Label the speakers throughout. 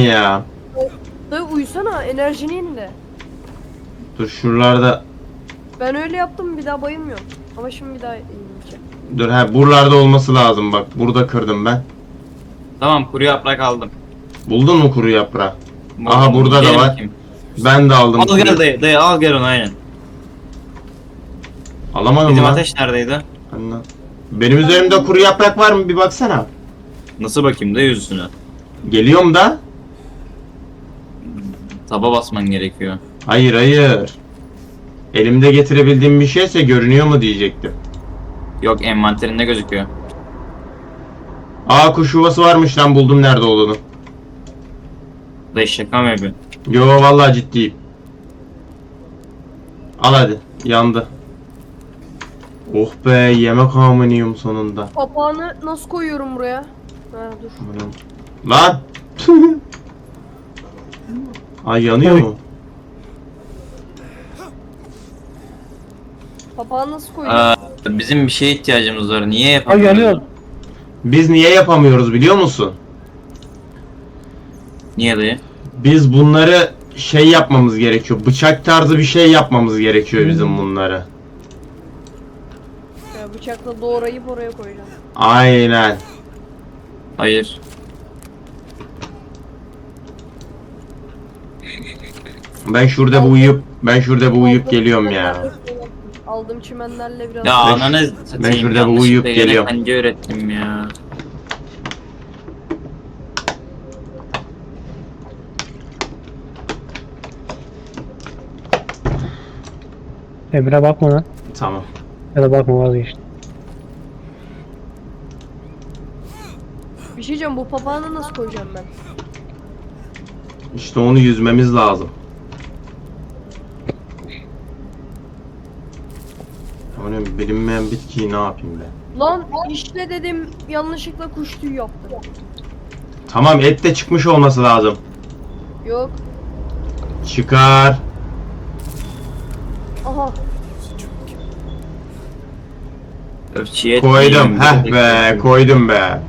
Speaker 1: ya.
Speaker 2: Dayı uyusana, enerjini yenile.
Speaker 1: Dur şuralarda.
Speaker 2: Ben öyle yaptım, bir daha bayılmıyorum. Ama şimdi bir daha yenileceğim.
Speaker 1: Dur buralarda olması lazım bak. Burada kırdım ben.
Speaker 3: Tamam, kuru yaprak aldım.
Speaker 1: Buldun mu kuru yaprağı?
Speaker 3: Buldum,
Speaker 1: Aha burada da
Speaker 3: gidelim
Speaker 1: var.
Speaker 3: bakayım.
Speaker 1: Ben de aldım.
Speaker 3: Al gel dayı al gel onu aynen.
Speaker 1: Alamadım
Speaker 3: Bizim
Speaker 1: lan.
Speaker 3: ateş neredeydi?
Speaker 1: Anla. Benim üzerimde kuru yaprak var mı bir baksana.
Speaker 3: Nasıl bakayım da yüzüne?
Speaker 1: Geliyorum da.
Speaker 3: Taba basman gerekiyor.
Speaker 1: Hayır hayır. Elimde getirebildiğim bir şeyse görünüyor mu diyecektim.
Speaker 3: Yok, envanterinde gözüküyor.
Speaker 1: Aa kuş yuvası varmış lan, buldum nerede olduğunu.
Speaker 3: Dayı şaka mı yapıyorsun?
Speaker 1: Yo vallahi ciddiyim. Al hadi, yandı. Oh be, yemek hamınıyım sonunda.
Speaker 2: Papağanı nasıl koyuyorum buraya? Ha dur.
Speaker 1: Lan! Ay yanıyor mu?
Speaker 2: Papağanı nasıl koyuyorum?
Speaker 3: Bizim bir şeye ihtiyacımız var. Niye
Speaker 4: Ay
Speaker 3: yapamıyoruz?
Speaker 4: yanıyor.
Speaker 1: Biz niye yapamıyoruz biliyor musun?
Speaker 3: Niye dayı?
Speaker 1: Biz bunları şey yapmamız gerekiyor. Bıçak tarzı bir şey yapmamız gerekiyor bizim bunları.
Speaker 2: Ya bıçakla doğrayıp oraya koyacağım.
Speaker 1: Aynen.
Speaker 3: Hayır.
Speaker 1: Ben şurada bir uyuyup geliyorum ya.
Speaker 2: Aldığım çimenlerle biraz...
Speaker 3: Ya
Speaker 1: Ben-
Speaker 3: ananı
Speaker 1: ben şurada bir uyuyup geliyorum.
Speaker 3: Hangi öğrettim ya?
Speaker 4: Emre bakma lan.
Speaker 1: Tamam.
Speaker 4: Ya da bakma, vazgeçtim.
Speaker 2: Bir şey diyeceğim, bu papağanı nasıl koyacağım ben?
Speaker 1: İşte onu yüzmemiz lazım. Onun bilinmeyen bitkiyi ne yapayım ben?
Speaker 2: Lan işte dedim, yanlışlıkla kuş tüyü yaptım.
Speaker 1: Tamam, et de çıkmış olması lazım.
Speaker 2: Yok.
Speaker 1: Çıkar.
Speaker 2: Aha.
Speaker 3: Öfçiye
Speaker 1: Koydum. Heh be, koydum be.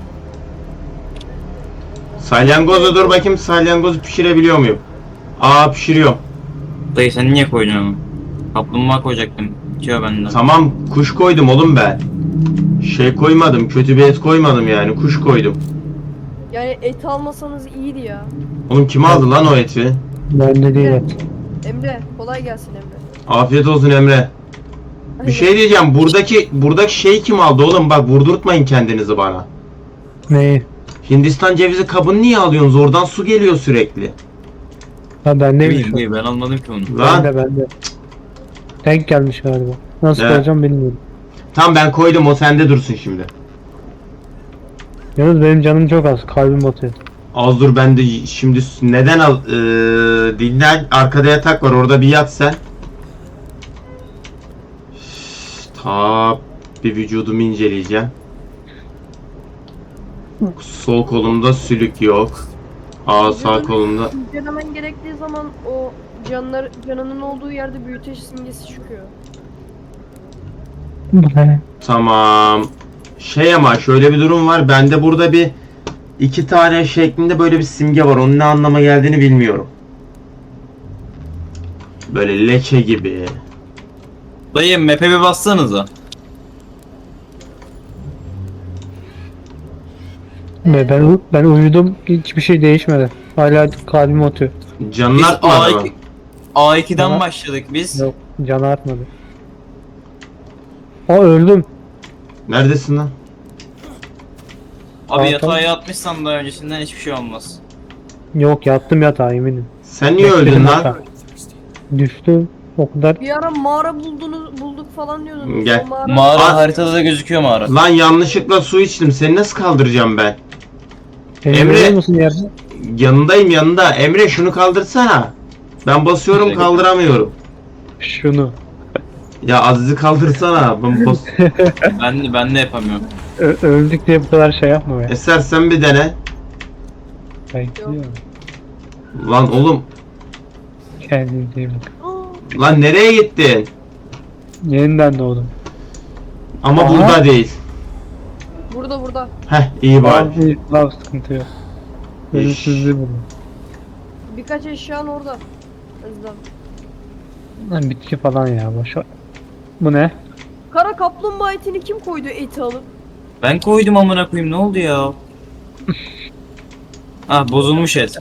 Speaker 1: Salyangozu dur bakayım, salyangozu pişirebiliyor muyum? Aa, pişiriyorum.
Speaker 3: Dayı sen niye koydun onu? Kaplumbağa koyacaktım. Bitiyor benden.
Speaker 1: Tamam, kuş koydum oğlum ben. Şey koymadım, kötü bir et koymadım yani, kuş koydum.
Speaker 2: Yani eti almasanız iyiydi ya.
Speaker 1: Oğlum kim aldı lan o eti?
Speaker 4: Bende değil et.
Speaker 2: Emre, kolay gelsin Emre.
Speaker 1: Afiyet olsun Emre. Bir şey diyeceğim, buradaki şeyi kim aldı oğlum, bak vurdurtmayın kendinizi bana.
Speaker 4: Neyi?
Speaker 1: Hindistan cevizi kabını niye alıyorsunuz? Oradan su geliyor sürekli.
Speaker 4: Ha bendeymiş o.
Speaker 3: Dayı ben almadım ki onu.
Speaker 1: Lan
Speaker 4: Bende. Denk gelmiş galiba. Nasıl
Speaker 1: Evet.
Speaker 4: koyacağım bilmiyorum.
Speaker 1: tam ben koydum, o sende dursun şimdi.
Speaker 4: Yalnız benim canım çok az. Kalbim atıyor.
Speaker 1: Az dur, ben de şimdi neden dinlen, arkada yatak var, orada bir yat sen. Ta bir vücudumu inceleyeceğim. Sol kolumda sülük yok. Sağ kolumda.
Speaker 2: İncelemen gerektiği zaman o canının olduğu yerde büyüteç simgesi çıkıyor.
Speaker 4: Bu ne?
Speaker 1: Tamam. Şey ama şöyle bir durum var. Bende burada bir iki tane şeklinde böyle bir simge var. Onun ne anlama geldiğini bilmiyorum. Böyle leke gibi.
Speaker 3: Dayı map'e bir bassanıza.
Speaker 4: Ben uyudum. Hiçbir şey değişmedi. Hala kalbim atıyor.
Speaker 1: Canın
Speaker 3: Biz
Speaker 1: artmadı mı?
Speaker 3: A2'den
Speaker 4: Tamam.
Speaker 3: başladık biz.
Speaker 4: Yok. Canı artmadı. Öldüm.
Speaker 1: Neredesin lan?
Speaker 3: Abi
Speaker 4: Aa,
Speaker 3: yatağa
Speaker 4: tamam.
Speaker 3: yatmışsan da öncesinden hiçbir şey olmaz.
Speaker 4: Yok, yattım yatağa eminim.
Speaker 1: Sen niye öldün
Speaker 4: Bekledim
Speaker 1: lan?
Speaker 4: yatağa. Düştüm. O kadar.
Speaker 2: Bir ara mağara bulduk falan diyordunuz.
Speaker 1: Gel.
Speaker 2: O mağara...
Speaker 3: Mağara
Speaker 1: Aa.
Speaker 3: haritada da gözüküyor mağara.
Speaker 1: Lan yanlışlıkla su içtim. Seni nasıl kaldıracağım ben?
Speaker 4: Beni
Speaker 1: Emre.
Speaker 4: görüyor musun yerde?
Speaker 1: Yanındayım, yanında. Emre şunu kaldırsana. Ben basıyorum,
Speaker 3: Şöyle.
Speaker 1: kaldıramıyorum.
Speaker 4: Şunu.
Speaker 1: Ya Aziz'i kaldırsana.
Speaker 3: Ben de yapamıyorum.
Speaker 4: Öldük diye bu kadar şey yapma be.
Speaker 1: Eser sen bir dene.
Speaker 4: Bekliyorum.
Speaker 1: Lan oğlum.
Speaker 4: Kendinize iyi bakın.
Speaker 2: Aa,
Speaker 1: Lan nereye gittin?
Speaker 4: Yeniden doğdum.
Speaker 1: Ama
Speaker 4: Aa.
Speaker 1: burada değil.
Speaker 2: burada.
Speaker 1: Heh, iyi bari.
Speaker 4: Lav sıkıntı yok. Ölümsüzlüğü buldu.
Speaker 2: Birkaç eşyan orada. Özlem.
Speaker 4: Lan bitki falan ya boş ver. Bu ne?
Speaker 2: Kara kaplumbağa etini kim koydu eti alıp?
Speaker 3: Ben koydum amına koyayım, ne oldu ya? Ah, bozulmuş et.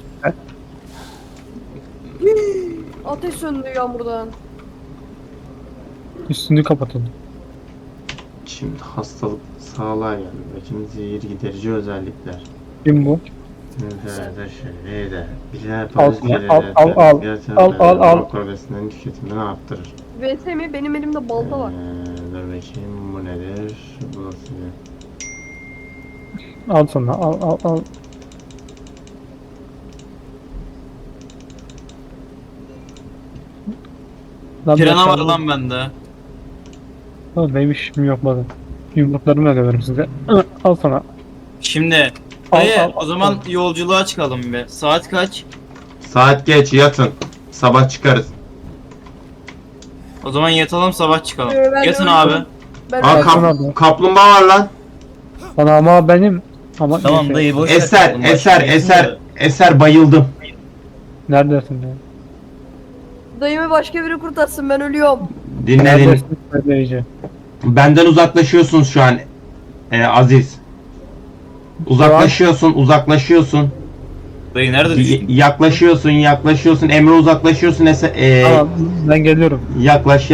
Speaker 2: Ateş söndü yağmurdan.
Speaker 4: Üstünü kapatın.
Speaker 1: Şimdi hastalık sağlığa geldi. Bakın zehir giderici özellikler.
Speaker 4: Kim bu? Al.
Speaker 1: Progresinden tüketimini arttırır.
Speaker 2: VS mi? Benim elimde balta var.
Speaker 1: Dur bakayım bu nedir? Bu nasıl bir...
Speaker 4: Al sana al. Lan
Speaker 3: Pirana var
Speaker 4: ben-
Speaker 3: lan bende.
Speaker 4: Oğlum benim işim yok bakın. Yumruklarımla döverim size. Al sana.
Speaker 3: Şimdi
Speaker 4: Al,
Speaker 3: dayı
Speaker 4: al,
Speaker 3: o zaman
Speaker 4: al.
Speaker 3: yolculuğa çıkalım bir. Saat kaç?
Speaker 1: Saat geç yatın. Sabah çıkarız.
Speaker 3: O zaman yatalım, sabah çıkalım.
Speaker 2: Ben
Speaker 3: Yatın
Speaker 2: öyle-
Speaker 3: abi.
Speaker 2: Ben
Speaker 1: Aa,
Speaker 4: Kalsın abi.
Speaker 1: kaplumbağa var lan.
Speaker 4: Bana ama benim. Ama
Speaker 3: Tamam
Speaker 4: neyse.
Speaker 3: dayı, boş ver.
Speaker 1: Eser,
Speaker 3: Oğlum,
Speaker 1: eser,
Speaker 3: başka
Speaker 1: eser,
Speaker 3: bir-
Speaker 1: eser bayıldım.
Speaker 4: Neredesin ya?
Speaker 2: dayımı başka biri kurtarsın, ben ölüyorum.
Speaker 1: Dinle.
Speaker 4: Neredesin söyleyici?
Speaker 1: Benden uzaklaşıyorsunuz şu an. Aziz. Uzaklaşıyorsun.
Speaker 3: Dayı nerede düştün?
Speaker 1: Yaklaşıyorsun. Emre uzaklaşıyorsun.
Speaker 4: Tamam ben geliyorum.
Speaker 1: Yaklaştın.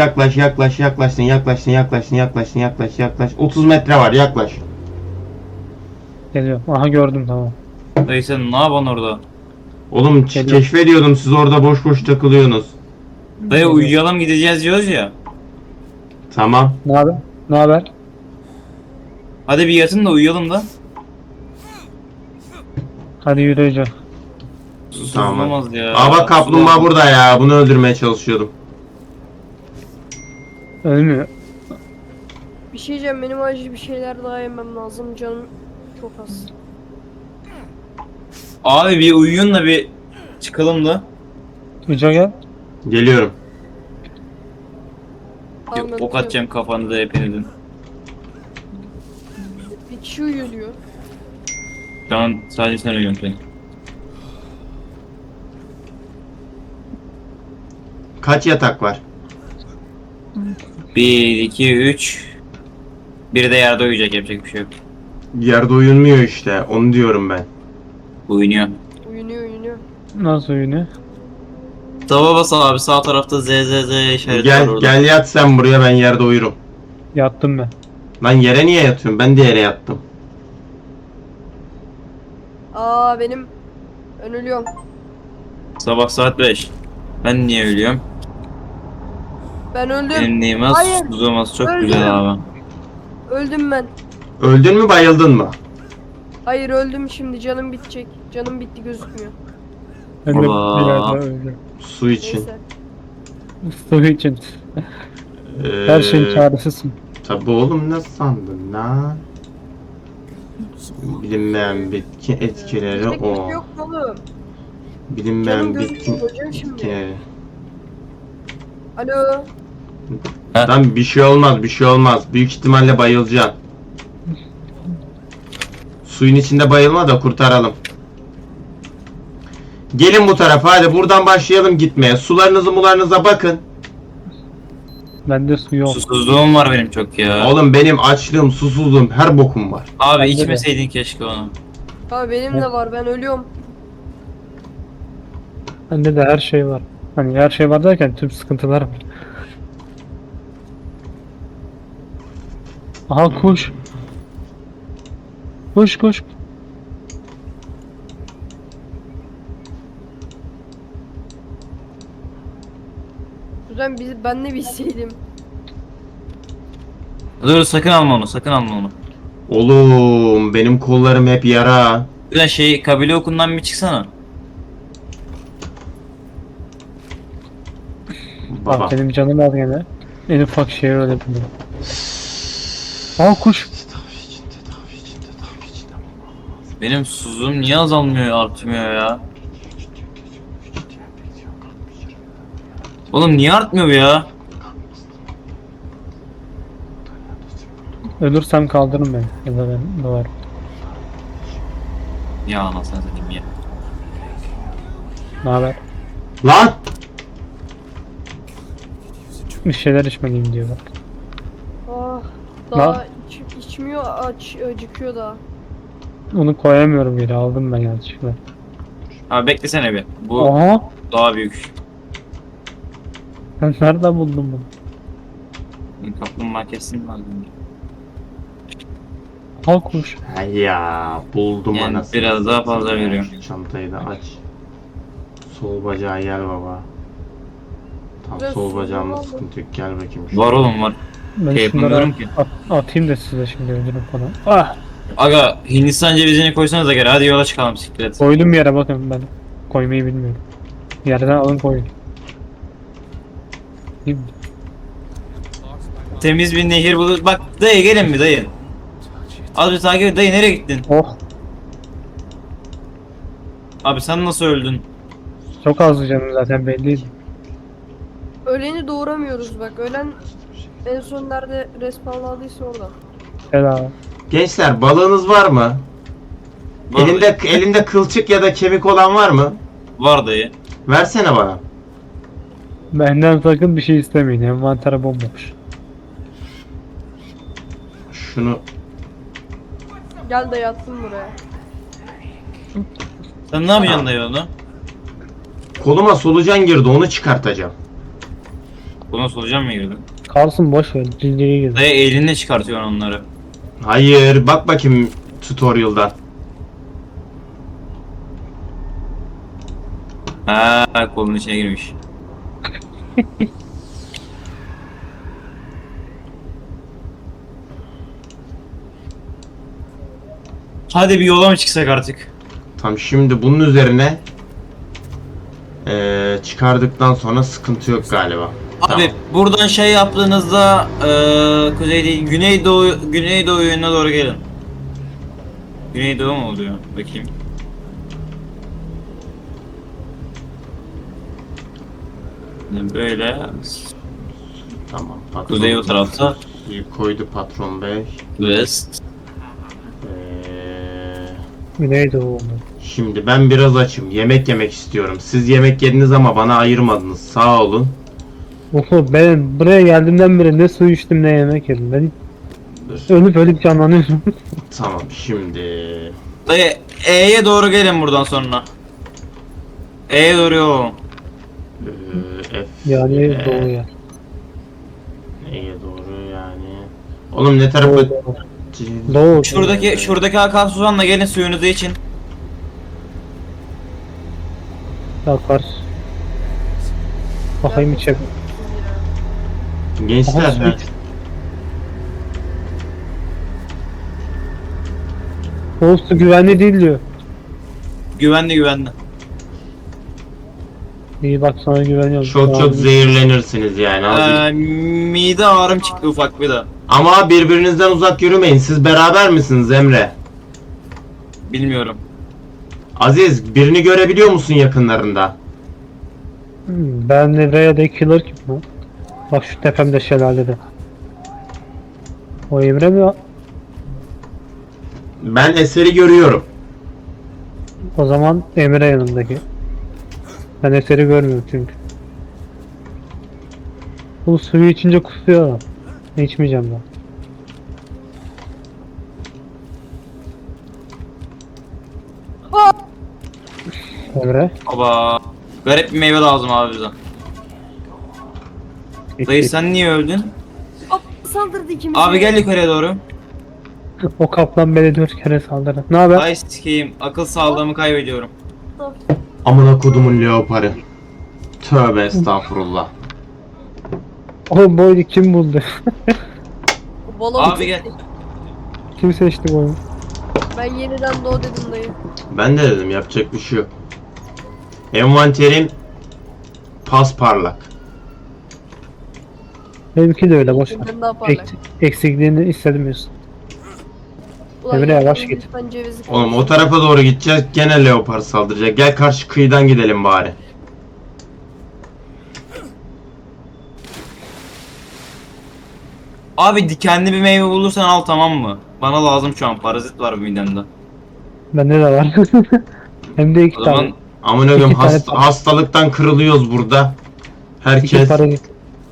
Speaker 1: 30 metre var, yaklaş.
Speaker 4: Geliyorum. Aha gördüm tamam.
Speaker 3: Dayı sen ne yapan orada?
Speaker 1: Oğlum
Speaker 4: Geliyorum.
Speaker 1: keşfediyordum, siz orada boş boş takılıyorsunuz.
Speaker 3: Dayı uyuyalım, gideceğiz diyoruz ya.
Speaker 1: Tamam.
Speaker 4: Ne haber? Ne haber?
Speaker 3: Hadi bir yatın da uyuyalım da.
Speaker 4: Hadi yürüyeceğim.
Speaker 1: Tamam.
Speaker 3: Olmaz ya.
Speaker 1: Aa bak kaplumbağa burada ya. Bunu öldürmeye çalışıyordum.
Speaker 4: Ölmüyor.
Speaker 2: Bir şey diyeceğim, benim acil bir şeyler daha yemem lazım, canım çok az.
Speaker 3: Abi bir uyuyun da bir çıkalım da.
Speaker 4: Uca gel.
Speaker 1: Geliyorum.
Speaker 2: Tamam, ben
Speaker 3: Ok atacağım kafanıza hepinizin.
Speaker 2: Bir kişi uyuyor diyor.
Speaker 3: Tamam, sadece sen uyuyorsun sen.
Speaker 1: Kaç yatak var?
Speaker 3: 1, 2, 3. Biri de yerde uyuyacak, yapacak bir şey yok.
Speaker 1: Yerde uyunmuyor işte. Onu diyorum ben.
Speaker 3: Uyunuyor.
Speaker 2: Uyunuyor.
Speaker 4: Nasıl oyunu?
Speaker 3: Tava bas abi, sağ tarafta ZZZ işareti var orada.
Speaker 1: Gel yat sen buraya, ben yerde uyurum.
Speaker 4: Yattım ben.
Speaker 1: Lan yere niye yatıyorum? Ben de yere yattım.
Speaker 2: Aa benim, ben ölüyorum.
Speaker 3: Sabah saat 5. Ben niye ölüyorum?
Speaker 2: Ben öldüm.
Speaker 3: Benim neyim az,
Speaker 2: Hayır.
Speaker 3: tuzum az, çok
Speaker 2: Öldüm.
Speaker 3: güzel abi.
Speaker 2: Öldüm ben.
Speaker 1: Öldün mü, bayıldın mı?
Speaker 2: Hayır öldüm, şimdi canım bitecek. Canım bitti, gözükmüyor.
Speaker 4: Ben de
Speaker 3: Allah.
Speaker 4: bir yerde öldüm.
Speaker 1: Su için.
Speaker 2: Neyse.
Speaker 4: Su için. Her şeyin çaresizsin.
Speaker 1: Tabi oğlum, ne sandın lan? Bilinmeyen bitki etkileri
Speaker 2: Bizde kimse
Speaker 1: o.
Speaker 2: yok mu oğlum?
Speaker 1: Bilinmeyen
Speaker 2: Canım
Speaker 1: bitki
Speaker 2: gözükmüyor hocam şimdi.
Speaker 1: etkileri.
Speaker 2: Alo.
Speaker 1: Lan bir şey olmaz. Büyük ihtimalle bayılacaksın. Suyun içinde bayılma da kurtaralım. Gelin bu tarafa, hadi buradan başlayalım gitmeye. Sularınıza bakın.
Speaker 4: Bende su yok.
Speaker 3: Susuzluğum var benim çok ya.
Speaker 1: Oğlum benim açlığım, susuzluğum, her bokum var.
Speaker 3: Abi
Speaker 4: Bende de.
Speaker 3: içmeseydin keşke onu.
Speaker 2: Abi benim de var, ben ölüyorum.
Speaker 4: Bende de her şey var. Hani her şey var derken tüm sıkıntılar var. Aha kuş. Kuş.
Speaker 2: Kuzen ben de bilseydim.
Speaker 3: Dur, sakın alma onu, sakın alma onu.
Speaker 1: Oğlum benim kollarım hep yara.
Speaker 3: Ulan şey, kabile okundan bir çıksana.
Speaker 1: Baba.
Speaker 4: Bak benim canım az gene. En ufak şey öyle buldum. Aa kuş.
Speaker 1: Tedavi için.
Speaker 3: Benim susuzluğum niye azalmıyor, artmıyor ya? Oğlum niye artmıyor bu ya?
Speaker 4: Ölürsem kaldırın beni. Ya da ben doğar.
Speaker 3: Ya anasını satayım ya.
Speaker 4: Ne haber?
Speaker 1: Lan!
Speaker 4: Bir şeyler içmeliyim diyor bak.
Speaker 2: Ah, daha içmiyor, acıkıyor daha.
Speaker 4: Onu koyamıyorum yere, aldım ben yanlışlıkla.
Speaker 3: Abi beklesene bir. Bu
Speaker 4: Aha!
Speaker 3: daha büyük.
Speaker 4: Sen nereden buldun bunu?
Speaker 3: Kaplumbağa kesin var.
Speaker 4: Halkmış.
Speaker 1: Hay ya buldum
Speaker 3: Yani
Speaker 1: anasını.
Speaker 3: biraz daha fazla
Speaker 1: satayım ya.
Speaker 3: veriyorum.
Speaker 1: Şu çantayı da aç. Sol bacağı gel baba. Tam
Speaker 2: Biraz
Speaker 1: sol
Speaker 2: solda
Speaker 1: bacağımda
Speaker 2: var mı?
Speaker 1: sıkıntı yok. Gel bakayım.
Speaker 3: Var oğlum var.
Speaker 4: Ben
Speaker 3: Şey
Speaker 4: şunları
Speaker 3: yapamıyorum ki.
Speaker 4: atayım da size şimdi öldürün falan. Ah!
Speaker 3: Aga Hindistan cevizini koysanız da gel. Hadi yola çıkalım siklet.
Speaker 4: Koydum yere bakın ben. Koymayı bilmiyorum. Yerden alın koyun. Değil mi?
Speaker 3: Temiz bir nehir bulur. Bak dayı gelin mi dayı? Az bir takip et dayı, nereye gittin?
Speaker 4: Oh!
Speaker 3: Abi sen nasıl öldün?
Speaker 4: Çok azdı canım zaten belliydi.
Speaker 2: Öleni doğuramıyoruz bak. Ölen en son nerede respawnladıysa orada.
Speaker 4: Helal.
Speaker 1: Gençler balığınız var mı?
Speaker 3: Var dayı.
Speaker 1: Elinde kılçık ya da kemik olan var mı?
Speaker 3: Var dayı.
Speaker 1: Versene bana.
Speaker 4: Benden sakın bir şey istemeyin. Envantere bomboş.
Speaker 1: Şunu
Speaker 2: Gel de yattım buraya.
Speaker 3: Sen ne yapacaksın dayı onu?
Speaker 1: koluma solucan girdi onu çıkartacağım.
Speaker 3: Buna solucan mı girdin?
Speaker 4: Kalsın boş ver. Cildiye gir.
Speaker 3: Dayı elinle çıkartıyorsun onları.
Speaker 1: Hayır bak bakayım tutorial'dan.
Speaker 3: Ha kolun içine girmiş. Hadi bir yola mı çıksak artık?
Speaker 1: Tam şimdi bunun üzerine çıkardıktan sonra sıkıntı yok galiba.
Speaker 3: Abi
Speaker 1: Tamam.
Speaker 3: buradan şey yaptığınızda kuzey değil güneydoğu yönüne doğru gelin. Güneydoğu mu oluyor? Bakayım. Böyle
Speaker 1: Tamam. Patron
Speaker 3: kuzey o tarafta
Speaker 1: koydu patron bey.
Speaker 3: west.
Speaker 4: Neydi o oldu?
Speaker 1: Şimdi ben biraz açım. Yemek yemek istiyorum. Siz yemek yediniz ama bana ayırmadınız. Sağ olun.
Speaker 4: Oho, ben buraya geldiğimden beri ne su içtim ne yemek yedim. Ben
Speaker 1: Dur.
Speaker 4: ölüp canlanıyorum.
Speaker 1: Tamam şimdi.
Speaker 3: Dayı E'ye doğru gelin buradan sonra. E'ye doğru yol.
Speaker 1: F
Speaker 4: Yani
Speaker 1: E,
Speaker 4: doğuya.
Speaker 1: Neye doğru yani? Oğlum ne tarafa?
Speaker 4: Doğu.
Speaker 3: Şuradaki akan Suzan'la gelin suyunuzu için.
Speaker 4: Yakar. Bakayım içe.
Speaker 1: Gençler
Speaker 4: Aha, su
Speaker 1: ha.
Speaker 4: iç. O su güvenli değil diyor.
Speaker 3: Güvenli.
Speaker 4: İyi bak sana güveniyorum.
Speaker 1: Çok çok zehirlenirsiniz yani. Azıcık.
Speaker 3: Mide ağrım çıktı ufak bir de.
Speaker 1: Ama birbirinizden uzak yürümeyin. Siz beraber misiniz Emre?
Speaker 3: Bilmiyorum.
Speaker 1: Aziz birini görebiliyor musun yakınlarında?
Speaker 4: Ben nereye killer kim lan? Bak şu tepemde şelalede. O Emre mi?
Speaker 1: Ben Eser'i görüyorum.
Speaker 4: O zaman Emre yanımdaki. Ben eseri görmüyorum çünkü. Bu suyu içince kusuyor adam. İçmeyeceğim ben. Emre.
Speaker 3: Baba. Garip bir meyve lazım abi bize. Dayı sen niye öldün?
Speaker 2: Hop saldırdı ikimize.
Speaker 3: Abi gel yukarıya doğru.
Speaker 4: O kaplan beni 4 kere saldırdı. Ne haber?
Speaker 3: Ay sikeyim. Akıl sağlığımı kaybediyorum.
Speaker 1: Amına kodumun leoparı. Tövbe estağfurullah.
Speaker 4: O boynu kim buldu?
Speaker 2: Balon
Speaker 3: Abi gel.
Speaker 4: Kim seçti bu oyunu?
Speaker 2: Ben yeniden doğ dedim dayı.
Speaker 1: Ben de dedim yapacak bir şey yok. Envanterim pasparlak.
Speaker 4: Benimki de öyle boş ver.
Speaker 2: Ben daha parlak.
Speaker 4: Eksikliğini hissedemiyorsun.
Speaker 2: Ulan
Speaker 4: Emre,
Speaker 2: ya,
Speaker 4: yavaş
Speaker 2: ben
Speaker 4: git.
Speaker 2: lütfen cevizi
Speaker 1: Oğlum o
Speaker 2: koysun.
Speaker 1: tarafa doğru gideceğiz. Gene leopar saldıracak. Gel karşı kıyıdan gidelim bari.
Speaker 3: Abi dikenli bir meyve bulursan al, tamam mı? Bana lazım şu an, parazit var midemde.
Speaker 4: Bende de var. Hem de 2
Speaker 3: O
Speaker 4: tane.
Speaker 3: zaman
Speaker 1: Amına koyayım
Speaker 4: İki tane para-
Speaker 1: hastalıktan kırılıyoruz burada.
Speaker 4: İki
Speaker 1: Herkes.
Speaker 4: para git.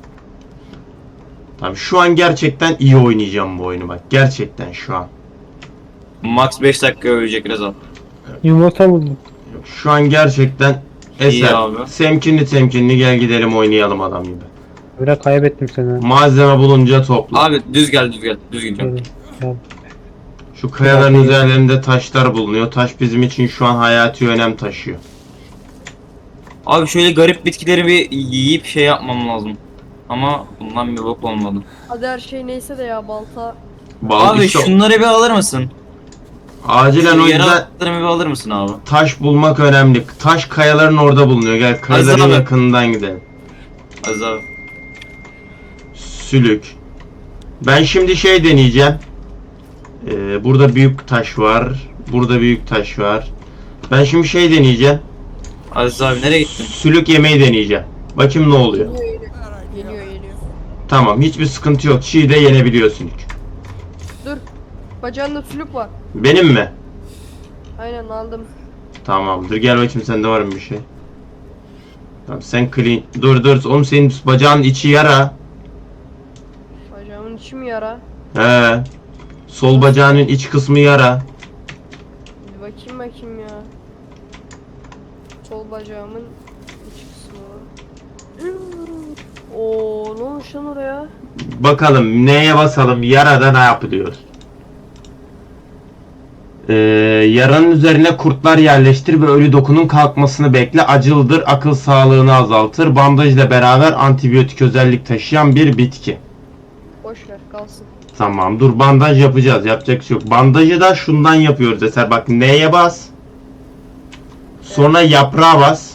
Speaker 1: Tabii şu an gerçekten iyi oynayacağım bu oyunu bak. Gerçekten şu an.
Speaker 3: Max 5 dakika ölecek Rezal.
Speaker 4: Yumurta buldum.
Speaker 1: Şu an gerçekten
Speaker 3: İyi
Speaker 1: eser.
Speaker 3: abi.
Speaker 1: Temkinli gel gidelim oynayalım adam gibi.
Speaker 4: Böyle kaybettim seni.
Speaker 1: Malzeme bulunca topla.
Speaker 3: Abi düz gel. Düz gideceğim.
Speaker 4: Gel.
Speaker 1: Şu kayaların üzerlerinde taşlar bulunuyor. Taş bizim için şu an hayati önem taşıyor.
Speaker 3: Abi şöyle garip bitkileri bir yiyip şey yapmam lazım. Ama bundan bir bok olmadı.
Speaker 2: Hadi her şey neyse de ya balta.
Speaker 3: Abi
Speaker 1: işte
Speaker 3: şunları bir alır mısın?
Speaker 1: acilen o
Speaker 3: Şu
Speaker 1: yüzden
Speaker 3: yaratıklarımı bir alır mısın abi?
Speaker 1: taş bulmak önemli. Taş kayaların orada bulunuyor. Gel kayaların
Speaker 3: abi.
Speaker 1: yakınından gidelim.
Speaker 3: Az abi.
Speaker 1: Sülük. Ben şimdi şey deneyeceğim. Burada büyük taş var. Burada büyük taş var. Ben şimdi şey deneyeceğim.
Speaker 3: Aziz abi nereye gittin?
Speaker 1: Sülük yemeği deneyeceğim. Bakayım ne oluyor.
Speaker 2: Geliyor.
Speaker 1: Tamam, hiçbir sıkıntı yok. Çiğ de yenebiliyor sülük.
Speaker 2: Dur. Bacağında sülük var.
Speaker 1: Benim mi?
Speaker 2: Aynen aldım.
Speaker 1: Tamamdır. Gel bakayım sende var mı bir şey? Tamam sen clean. Dur. Oğlum senin bacağın içi yara.
Speaker 2: Bacağımın içi mi yara?
Speaker 1: He. Sol bacağının iç kısmı yara.
Speaker 2: Bir bakayım ya. Sol bacağımın iç kısmı. Oo, ne olmuş lan oraya?
Speaker 1: Bakalım neye basalım? Yarada ne yapılıyor? Yaranın üzerine kurtlar yerleştir ve ölü dokunun kalkmasını bekle. Acılıdır, akıl sağlığını azaltır. Bandajla beraber antibiyotik özellik taşıyan bir bitki.
Speaker 2: Boş ver kalsın.
Speaker 1: Tamam dur bandaj yapacağız. Yapacak bir şey yok. Bandajı da şundan yapıyoruz Eser. Bak neye bas. Sonra yaprağa bas.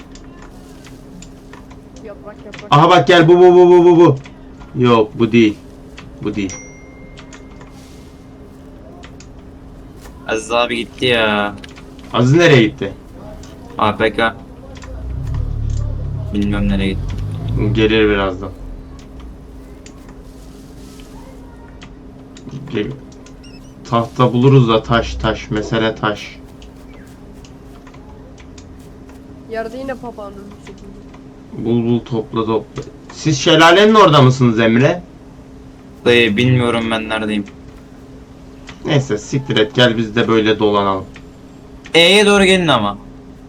Speaker 2: Yaprak.
Speaker 1: Aha bak gel bu. Yok bu değil. Bu değil.
Speaker 3: Aziz abi gitti ya.
Speaker 1: Aziz nereye gitti?
Speaker 3: APK. Bilmem nereye gitti.
Speaker 1: Gelir birazdan. Gel. Tahta buluruz da taş. Mesele taş.
Speaker 2: Yerde yine papağanın şekilde.
Speaker 1: Bul topla. Siz şelalenin orada mısınız Emre?
Speaker 3: Dayı bilmiyorum ben neredeyim.
Speaker 1: Neyse siktir et gel biz de böyle dolanalım.
Speaker 3: E'ye doğru gelin ama.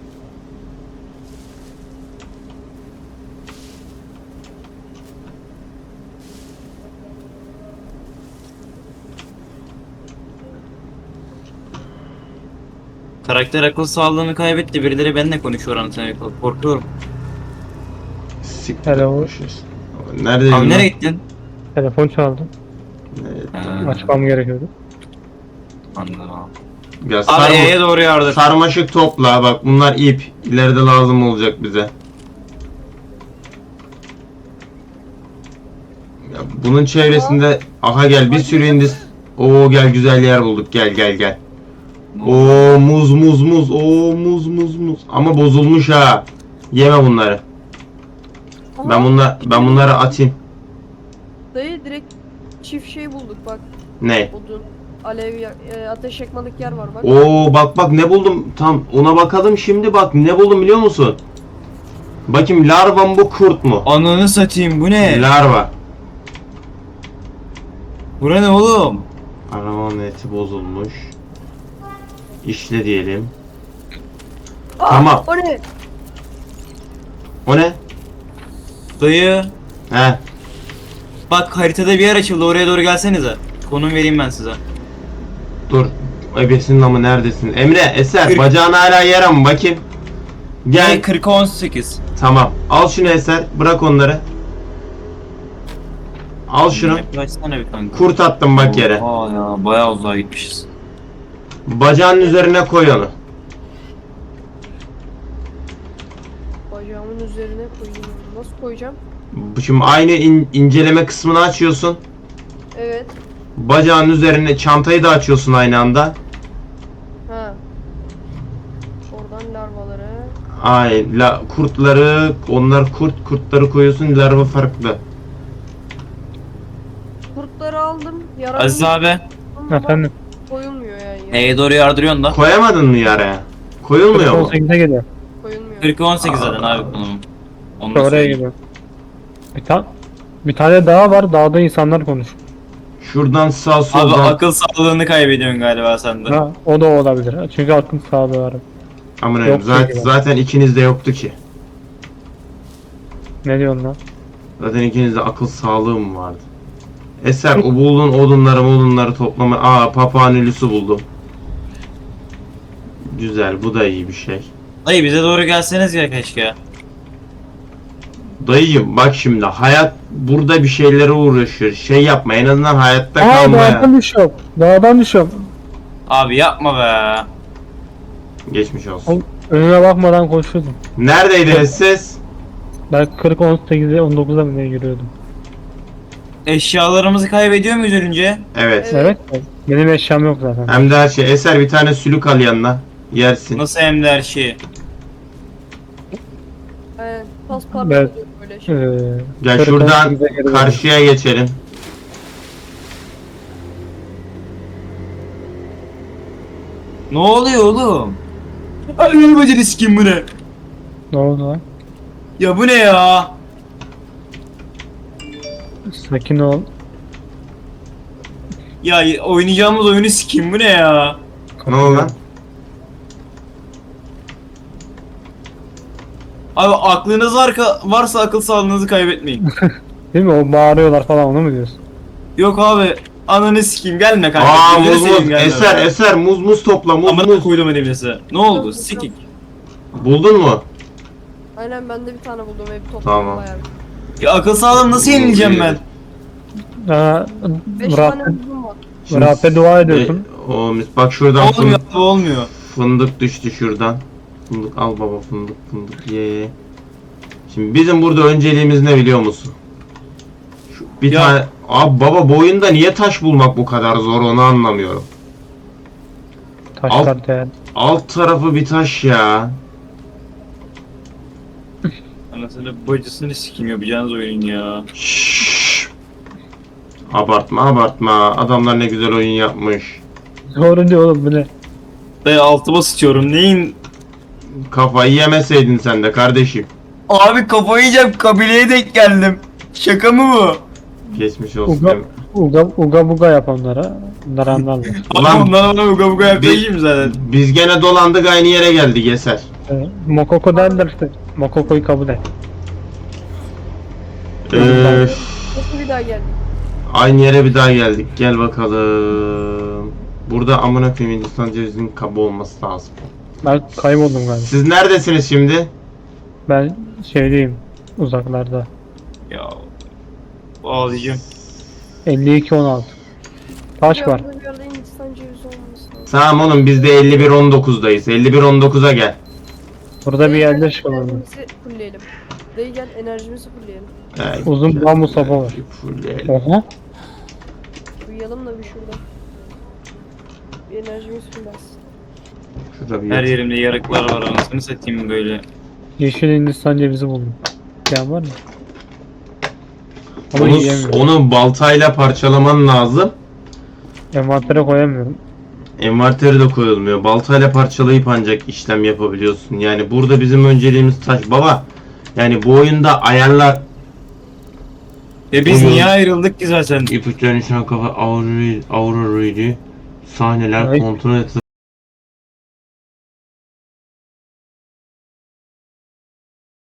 Speaker 3: Karakter akıl sağlığını kaybetti. Birileri benimle konuşuyor anasını korkuyorum.
Speaker 1: Siktir
Speaker 4: Hello.
Speaker 1: etmişiz. Neredeydin
Speaker 3: Abi
Speaker 1: lan?
Speaker 3: nereye gittin?
Speaker 4: Telefon çaldı. Açmam gerekiyordu.
Speaker 3: Anladım abi.
Speaker 1: Ya
Speaker 3: Abi E'ye doğru yardır.
Speaker 1: sarmaşık topla bak bunlar ip. İleride lazım olacak bize. Ya bunun çevresinde aha gel bir sürü indis. Oo gel güzel yer bulduk gel. Oo muz. Oo muz. Ama bozulmuş ha. Yeme bunları. Ben bunları atayım.
Speaker 2: Dayı direkt çift şey bulduk bak.
Speaker 1: Ne?
Speaker 2: Odun, ateş yakmalık yer var bak.
Speaker 1: Oo bak ne buldum. Tam ona bakalım şimdi bak ne buldum biliyor musun? Bakayım larva mı bu kurt mu?
Speaker 3: Ananı satayım bu ne?
Speaker 1: Larva.
Speaker 3: Bura ne oğlum?
Speaker 1: Arabanın eti bozulmuş. İşle diyelim.
Speaker 2: Aa,
Speaker 1: tamam.
Speaker 2: O ne?
Speaker 1: O ne?
Speaker 3: Dayı.
Speaker 1: He.
Speaker 3: Bak haritada bir yer açıldı oraya doğru gelsenize. Konum vereyim ben size.
Speaker 1: Dur. Ebesinin amı neredesin? Emre, Eser,
Speaker 3: Kırk.
Speaker 1: bacağın hala yara mı? Bakayım. Gel.
Speaker 3: 40'a 18.
Speaker 1: Tamam. Al şunu Eser. Bırak onları. Al şunu.
Speaker 3: Yaklaşsana bir kanka.
Speaker 1: Kurt attım bak yere.
Speaker 3: Aa ya bayağı uzağa gitmişiz.
Speaker 1: Bacağın üzerine koy onu.
Speaker 2: Bacağımın üzerine koyayım. Nasıl koyacağım?
Speaker 1: Şimdi aynı inceleme kısmını açıyorsun.
Speaker 2: Evet.
Speaker 1: Bacağın üzerine çantayı da açıyorsun aynı anda.
Speaker 2: Ha. Oradan larvaları.
Speaker 1: Ay kurtları, onlar kurtları koyuyorsun, larva farklı.
Speaker 2: Kurtları aldım. Yaranın
Speaker 3: Aziz abi.
Speaker 4: Efendim.
Speaker 2: koyulmuyor yani.
Speaker 3: E'ye doğru yardırıyorsun da.
Speaker 1: Koyamadın mı yaraya? Koyulmuyor mu?
Speaker 4: 18'e geliyor.
Speaker 3: 40-18 zaten abi konum. Onu da
Speaker 4: Oraya
Speaker 3: söyleyeyim.
Speaker 4: gidiyor. Bir tane daha var. Dağda insanlar konuşuyor.
Speaker 1: Şuradan sağ
Speaker 3: Abi
Speaker 1: soldan.
Speaker 3: akıl sağlığını kaybediyorsun galiba sen de.
Speaker 4: Ha, o da olabilir. Çünkü aklım sağlığı var.
Speaker 1: Aman
Speaker 4: Yok
Speaker 1: zaten,
Speaker 4: değil.
Speaker 1: zaten ikiniz de yoktu ki.
Speaker 4: Ne diyorsun lan?
Speaker 1: Zaten ikinizde akıl sağlığı mı vardı? Eser o buldun odunları toplama. Aa papağan ölüsü buldum. Güzel, bu da iyi bir şey.
Speaker 3: Dayı bize doğru gelseniz ya keşke.
Speaker 1: Dayıcım bak şimdi hayat burada bir şeylere uğraşıyor. Şey yapma en azından hayatta
Speaker 4: Aa,
Speaker 1: kalmaya.
Speaker 4: dağdan düşüyorum. Dağdan düşüyorum.
Speaker 3: Abi yapma be.
Speaker 1: Geçmiş olsun.
Speaker 4: Oğlum, önüme bakmadan koşuyordum.
Speaker 1: Neredeydi ses?
Speaker 4: Ben 40-18'e 19'a mı ne yürüyordum?
Speaker 3: Eşyalarımızı kaybediyor muyuz ölünce?
Speaker 1: Evet.
Speaker 2: Evet.
Speaker 4: Evet. Benim eşyam yok zaten.
Speaker 1: Hem de her şey. Eser bir tane sülük al yanına. Yersin.
Speaker 3: Nasıl hem de her şeyi?
Speaker 2: Aynen. Paspartu
Speaker 4: Evet.
Speaker 2: oluyor böyle şey.
Speaker 1: Gel
Speaker 4: 40-18'e
Speaker 1: şuradan
Speaker 4: geri döndüm.
Speaker 1: karşıya geçelim.
Speaker 3: Ne oluyor oğlum? Ay benim bacını sikeyim bu ne?
Speaker 4: Ne oldu lan?
Speaker 3: Ya bu ne ya?
Speaker 4: Sakin ol.
Speaker 3: Ya oynayacağımız oyunu sikeyim bu ne ya?
Speaker 1: Ne oldu lan?
Speaker 3: Abi aklınız varsa akıl sağlığınızı kaybetmeyin.
Speaker 4: Değil mi? O bağırıyorlar falan, onu mu diyorsun?
Speaker 3: Yok abi ananı sikeyim gelme kanka.
Speaker 1: Aa
Speaker 3: Gözünü
Speaker 1: muz
Speaker 3: seveyim,
Speaker 1: muz.
Speaker 3: gelme
Speaker 1: Eser
Speaker 3: be.
Speaker 1: eser muz topla muz
Speaker 3: Amına koydum elimlesi. Ne oldu? Sikik.
Speaker 1: Buldun mu?
Speaker 2: Aynen ben de bir tane buldum ve bir topladım
Speaker 1: Tamam.
Speaker 2: bayağı.
Speaker 3: Ya akıl sağlığımı nasıl yenileceğim ben?
Speaker 4: Aa,
Speaker 2: 5 tane
Speaker 4: Rabb'e,
Speaker 2: buldum var.
Speaker 4: Rabb'e dua ediyorsun.
Speaker 1: Bak şuradan
Speaker 3: Olmuyor abi olmuyor.
Speaker 1: fındık düştü şuradan. Fındık al baba fındık ye. Şimdi bizim burada önceliğimiz ne biliyor musun? Bir
Speaker 3: Ya.
Speaker 1: tane abi baba bu oyunda niye taş bulmak bu kadar zor onu anlamıyorum.
Speaker 4: Taşlar değer.
Speaker 1: Alt tarafı bir taş ya.
Speaker 3: Anasını bacısını sikeyim yapacağınız oyun ya.
Speaker 1: Şşş. Abartma. Adamlar ne güzel oyun yapmış.
Speaker 4: Doğru diyor oğlum, bu ne?
Speaker 3: Dayı altıma sıçıyorum neyin?
Speaker 1: Kafayı yemeseydin sen de kardeşim.
Speaker 3: Abi kafayı yiyeceğim kabileye denk geldim. Şaka mı bu?
Speaker 1: Geçmiş olsun.
Speaker 4: Uga, uga buga yap onlara. Bunlar anlarlar.
Speaker 1: Ulan-
Speaker 3: Abi bundan bana uga buga yapacağım zaten.
Speaker 1: Biz gene dolandık aynı yere geldik Eser.
Speaker 4: Mokoko derler işte. Mokoko'yu kabul et.
Speaker 2: Nasıl bir daha geldik?
Speaker 1: Aynı yere bir daha geldik. Gel bakalım. Burada amına koyayım Hindistan cevizinin kabı olması lazım.
Speaker 4: Ben kayboldum galiba.
Speaker 1: Siz neredesiniz şimdi?
Speaker 4: Ben şeydeyim. Uzaklarda.
Speaker 3: Ya ağlayacağım.
Speaker 4: 52-16. Taş var.
Speaker 2: Bir yerde Hindistan cevizi olması lazım.
Speaker 1: Tamam oğlum biz de 51-19'dayız. 51-19'a gel.
Speaker 4: Burada bir yerde şey var.
Speaker 2: Enerjimizi fullleyelim. Dayı gel enerjimizi fullleyelim.
Speaker 4: Uzun bambu sopa var.
Speaker 1: Fulleyelim.
Speaker 4: Oha.
Speaker 2: Uyuyalım da bir şurada. Bir enerjimiz fulllensin.
Speaker 1: Şurada bir
Speaker 3: Her yerimde yarıklar var anasını satayım böyle.
Speaker 4: Yeşil Hindistan cevizi buldum. Yan var mı? Ama
Speaker 1: Onu,
Speaker 4: yiyemiyorum.
Speaker 1: onu baltayla parçalaman lazım.
Speaker 4: Envantere koyamıyorum.
Speaker 1: Envanteri de koyulmuyor. Baltayla parçalayıp ancak işlem yapabiliyorsun. Yani burada bizim önceliğimiz taş. Baba yani bu oyunda ayarlar
Speaker 3: Biz
Speaker 1: Onu-
Speaker 3: niye ayrıldık ki zaten?
Speaker 1: ipuçlarının içine kafa Aurora'ydı. Sahneler
Speaker 4: Ay.
Speaker 1: kontrol et.